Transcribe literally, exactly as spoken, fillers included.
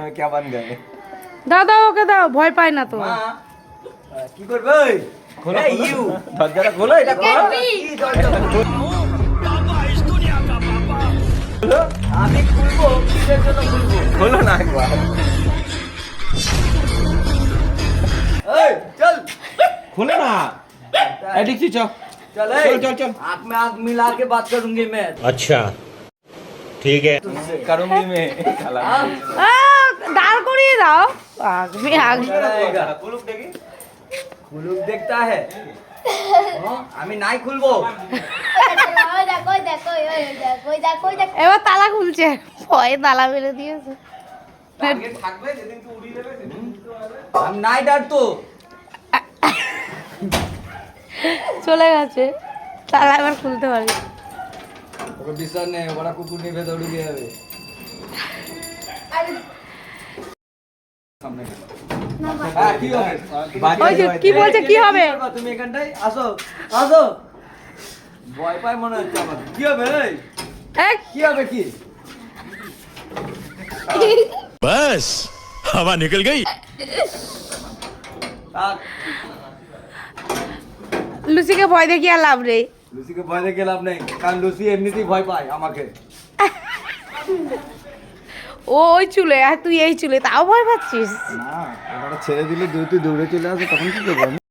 क्या बन गए? দাও দাও ওকে দাও, ভয় পায় না তো। মা কি করবে? খোলো ইউ দরজাটা খোলো, এটা খোলো। কি দরজা খোলো? বাবা ইস দুনিয়া কা বাবা। আমি খুলবো, কিসের জন্য খুলবো? খোলো না একবার। এই চল खोलो ना एडिक्सी चल चल चल चल चल आँख में आँख मिला के बात करूंगी मैं। अच्छा ठीक है करूंगी मैं। আ, দাঁড় করিয়ে দাও। আগমি আগ कुलुप देखी कुलुप देखता है। আমি নাই খুলবো। এবার তালা খুলছে, ভয়ে তালা মেরে দিয়েছে। থাকবে যেদিন তুই উড়িয়ে দেবে সেদিন আমি নাই ডারতো। চলে গেছে, তালা এবার খুলতে পারি। ওকে বিশ্বাস নেই, ওরা কুকুর নিয়ে ভেতরে ঢুকে যাবে। হ্যাঁ, কি হবে? ওই যে কি বলছে কি হবে? তুমি এখানটাই আসো আসো, ভয় পায় মনে হচ্ছে আমার। কি হবে? এই, এক কি হবে কি? बस हवा निकल गई থাক, লুসিকে ভয় দেখিয়ে আর লাভ নেই। লুসিকে ভয় দেখে লাভ নেই, কারণ লুসি এমনিতেই ভয় পায় আমাকে। ও ওই চুলে আর তুই এই চুলে, তাও ভয় পাচ্ছিস? না, ওটা ছেড়ে দিলে তুই তুই দৌড়ে চলে আসে, তখন কি করবো?